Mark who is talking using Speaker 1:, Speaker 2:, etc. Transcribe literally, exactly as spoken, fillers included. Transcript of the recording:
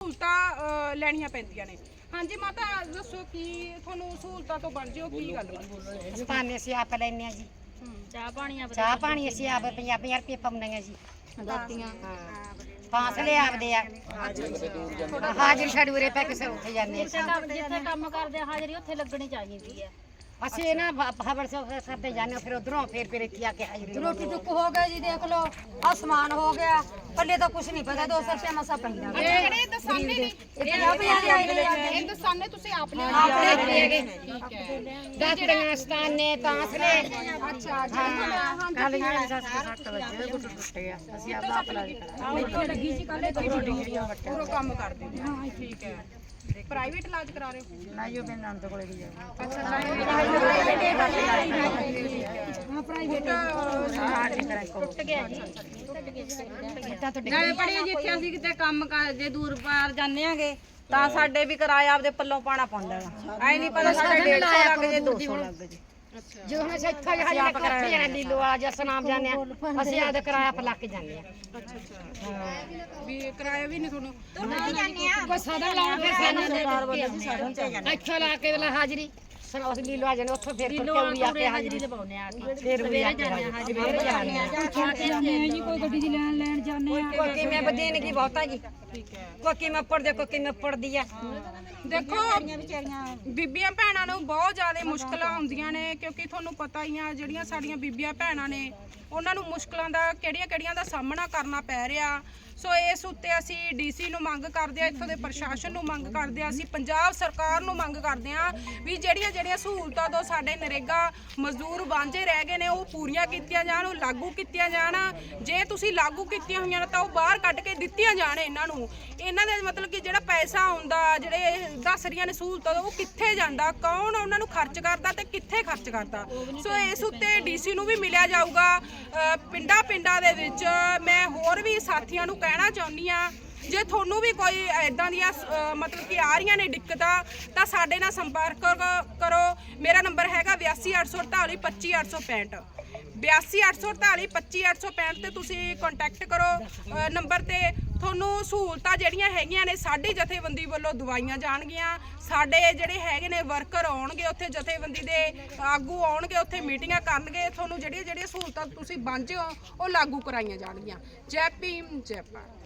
Speaker 1: सहूलतां लैणियां पैंदियां ने। हाँ जी माता दसो कि तुहानूं सहूलतां तो बन जिओ की गल
Speaker 2: पाने ਅਸੀਂ ਆਪ ਲੈਣੇ ਆ ਜੀ
Speaker 3: ਚਾਹ ਪਾਣੀ ਆ
Speaker 2: ਚਾਹ ਪਾਣੀ ਅਸੀਂ ਆਪ ਪੰਜਾਹ ਪੰਜਾਹ ਰੁਪਏ ਪਾਉਂਦੇ ਆ ਜੀ
Speaker 3: ਦਾਤੀਆਂ
Speaker 2: ਫਾਸਲੇ ਆਪਦੇ ਆ ਹਾਜ਼ਰ ਛੜੂਰੇ ਪੈ ਕਿਸੇ ਉੱਥੇ ਜਾਂਦੇ ਆ
Speaker 3: ਜਿੱਥੇ ਕੰਮ ਕਰਦੇ ਆ ਹਾਜ਼ਰੀ ਉੱਥੇ ਲੱਗਣੀ ਚਾਹੀਦੀ ਹੈ।
Speaker 2: ਅਸੀਂ ਨਾ ਖਬਰ ਸਰਦੇ ਜਾਂਦੇ ਫਿਰ ਉਧਰੋਂ ਫਿਰ ਫਿਰ ਇੱਥੇ ਆ ਕੇ ਹਾਜ਼ਰੀ
Speaker 4: रोटी टुक हो गई जी देख लो आसमान हो गया पल्ले तो कुछ नहीं पता दो सौ रुपया मसा पैंदा
Speaker 1: ਜਿਹੜੇ ਦਸਾਨੇ ਨੇ ਇਹ ਦਸਾਨੇ ਤੁਸੀਂ ਆਪ ਲੈ
Speaker 2: ਦਾਤੀਆਂ ਸਤਾਨੇ ਤਾਂਸਲੇ
Speaker 1: ਅੱਛਾ
Speaker 2: ਕਾਲੀਆਂ ਸੱਤ ਸੱਤ ਵਜੇ ਗੁੱਟ ਟੁੱਟ ਗਿਆ ਅਸੀਂ ਆਪ ਆਪ ਲਾ
Speaker 1: ਪੂਰਾ ਕੰਮ ਕਰਦੇ ਨੇ। ਹਾਂ ਠੀਕ ਹੈ। ਪ੍ਰਾਈਵੇਟ ਇਲਾਜ ਕਰਾ ਰਹੇ ਹੋ?
Speaker 2: ਨਾ ਜੋ ਮੈਂ ਨੰਦ ਕੋਲੇ ਵੀ ਜਾਵਾਂ
Speaker 4: ਨਾਲੇ ਪੜੀ ਜਿੱਥੇ ਅਸੀਂ ਕਿਤੇ ਕੰਮ ਜੇ ਦੂਰ ਪਾਰ ਜਾਂਦੇ ਆਂਗੇ ਤਾਂ ਸਾਡੇ ਵੀ ਕਿਰਾਇਆ ਆਪਦੇ ਪੱਲੋਂ ਪਾਣਾ ਪੈਂਦਾ ਐ ਨਹੀਂ ਪਤਾ ਸਾਡੇ ਡੇਢ ਸੌ ਲੱਗ ਜੇ ਦੋ ਸੌ ਲੱਗ ਜੇ
Speaker 2: ਜਦੋਂ ਅਸੀਂ ਇੱਥੇ ਹਾਜ਼ਰ ਕਰਦੇ ਜਾਣਾ ਲੀਲੋ ਆ ਜਾਂ ਸਨਾਮ ਜਾਂਦੇ ਆ ਅਸੀਂ ਆਪਦਾ ਕਿਰਾਇਆ ਪਰ ਲੱਗ ਜਾਂਦੇ ਆ
Speaker 1: ਅੱਛਾ ਅੱਛਾ ਵੀ ਕਿਰਾਇਆ ਵੀ ਨਹੀਂ ਤੁਹਾਨੂੰ
Speaker 2: ਕੋਈ ਸਾਧਨ ਲਾਉਣ ਫਿਰ ਸਾਨੂੰ ਇੱਥੇ ਲਾ ਕੇ ਵੇਲਾ ਹਾਜ਼ਰੀ ਉਸ ਲੀਲੋ ਆ ਜਾਂਦੇ ਉੱਥੋਂ ਫਿਰ ਤੁਰ ਕੇ ਵੀ ਆ ਕੇ ਹਾਜ਼ਰੀ
Speaker 3: ਲਵਾਉਣੇ ਆ ਕੇ
Speaker 2: ਫਿਰ ਵੀ ਆ ਕੇ ਹਾਜ਼ਰੀ ਫਿਰ ਜਾਂਦੇ ਆ
Speaker 4: ਜੀ ਕੋਈ ਗੱਡੀ ਦੀ ਲੈਣ ਲੈਣ ਜਾਂਦੇ ਆ
Speaker 2: ਕੋਈ ਕਿਵੇਂ ਬਦੀਨ ਕੀ ਬਹੁਤਾ ਜੀ ਕੋਈ ਕਿਵੇਂ ਪੜਦੇ ਕੋਈ ਕਿਵੇਂ ਪੜਦੀ ਆ
Speaker 1: ਦੇਖੋ ਬੀਬੀਆਂ ਭੈਣਾਂ ਨੂੰ ਬਹੁਤ ਜ਼ਿਆਦਾ ਮੁਸ਼ਕਲਾਂ ਆਉਂਦੀਆਂ ਨੇ ਕਿਉਂਕਿ ਤੁਹਾਨੂੰ ਪਤਾ ਹੀ ਆ ਜਿਹੜੀਆਂ ਸਾਡੀਆਂ ਬੀਬੀਆਂ ਭੈਣਾਂ ਨੇ ਉਹਨਾਂ ਨੂੰ ਮੁਸ਼ਕਲਾਂ ਦਾ ਕਿਹੜੀਆਂ ਕਿਹੜੀਆਂ ਦਾ ਸਾਹਮਣਾ ਕਰਨਾ ਪੈ ਰਿਹਾ। ਸੋ ਇਸ ਉੱਤੇ ਅਸੀਂ ਡੀਸੀ ਨੂੰ ਮੰਗ ਕਰਦੇ ਆ, ਇੱਥੋਂ ਦੇ ਪ੍ਰਸ਼ਾਸਨ ਨੂੰ ਮੰਗ ਕਰਦੇ ਆ, ਅਸੀਂ ਪੰਜਾਬ ਸਰਕਾਰ ਨੂੰ ਮੰਗ ਕਰਦੇ ਆ ਵੀ ਜਿਹੜੀਆਂ ਜਿਹੜੀਆਂ ਸਹੂਲਤਾਂ ਤੋਂ ਸਾਡੇ ਨਰੇਗਾ ਮਜ਼ਦੂਰ ਵਾਂਝੇ ਰਹਿ ਗਏ ਨੇ ਉਹ ਪੂਰੀਆਂ ਕੀਤੀਆਂ ਜਾਣ, ਉਹ ਲਾਗੂ ਕੀਤੀਆਂ ਜਾਣ। ਜੇ ਤੁਸੀਂ ਲਾਗੂ ਕੀਤੀਆਂ ਹੋਈਆਂ ਨੇ ਤਾਂ ਉਹ ਬਾਹਰ ਕੱਢ ਕੇ ਦਿੱਤੀਆਂ ਜਾਣ ਇਹਨਾਂ ਨੂੰ। ਇਹਨਾਂ ਦੇ ਮਤਲਬ ਕਿ ਜਿਹੜਾ ਪੈਸਾ ਆਉਂਦਾ ਜਿਹੜੇ ਦੱਸ ਰਹੀਆਂ ਨੇ ਸਹੂਲਤਾਂ ਉਹ ਕਿੱਥੇ ਜਾਂਦਾ, ਕੌਣ ਉਹਨਾਂ ਨੂੰ ਖਰਚ ਕਰਦਾ ਤੇ ਕਿੱਥੇ ਖਰਚ ਕਰਦਾ। ਸੋ ਇਸ ਉੱਤੇ ਡੀਸੀ ਨੂੰ ਵੀ ਮਿਲਿਆ ਜਾਊਗਾ। ਪਿੰਡਾਂ ਪਿੰਡਾਂ ਦੇ ਵਿੱਚ ਮੈਂ ਹੋਰ ਵੀ ਸਾਥੀਆਂ ਨੂੰ ਕਹਿਣਾ ਚਾਹੁੰਦੀ ਆ ਜੇ ਤੁਹਾਨੂੰ ਵੀ ਕੋਈ ਇਦਾਂ ਦੀਆਂ ਮਤਲਬ ਕਿ ਆ ਰਹੀਆਂ ਨੇ ਦਿੱਕਤਾਂ ਤਾਂ ਸਾਡੇ ਨਾਲ ਸੰਪਰਕ ਕਰੋ। ਮੇਰਾ ਨੰਬਰ ਹੈਗਾ ਬਿਆਸੀ ਅੱਠ ਸੌ ਅੜਤਾਲੀ ਪੱਚੀ ਅੱਠ ਸੌ ਪੈਂਹਠ ਬਿਆਸੀ ਅੱਠ ਸੌ ਅੜਤਾਲੀ ਪੱਚੀ ਅੱਠ ਸੌ ਪੈਂਹਠ ਤੇ ਤੁਸੀਂ ਕੰਟੈਕਟ ਕਰੋ ਨੰਬਰ ਤੇ। ਤੁਹਾਨੂੰ ਸਹੂਲਤਾਂ ਜਿਹੜੀਆਂ ਹੈਗੀਆਂ ਨੇ ਸਾਡੀ ਜਥੇਬੰਦੀ ਵੱਲੋਂ ਦਵਾਈਆਂ ਜਾਣਗੀਆਂ, ਸਾਡੇ ਜਿਹੜੇ ਹੈਗੇ ਨੇ ਵਰਕਰ ਆਉਣਗੇ ਉੱਥੇ, ਜਥੇਬੰਦੀ ਦੇ ਆਗੂ ਆਉਣਗੇ ਉੱਥੇ, ਮੀਟਿੰਗਾਂ ਕਰਨਗੇ। ਤੁਹਾਨੂੰ ਜਿਹੜੀਆਂ ਜਿਹੜੀਆਂ ਸਹੂਲਤਾਂ ਤੁਸੀਂ ਵਾਂਝੇ ਹੋ ਉਹ ਲਾਗੂ ਕਰਾਈਆਂ ਜਾਣਗੀਆਂ। ਜੈ ਭੀਮ ਜੈ ਭਾਰਤ।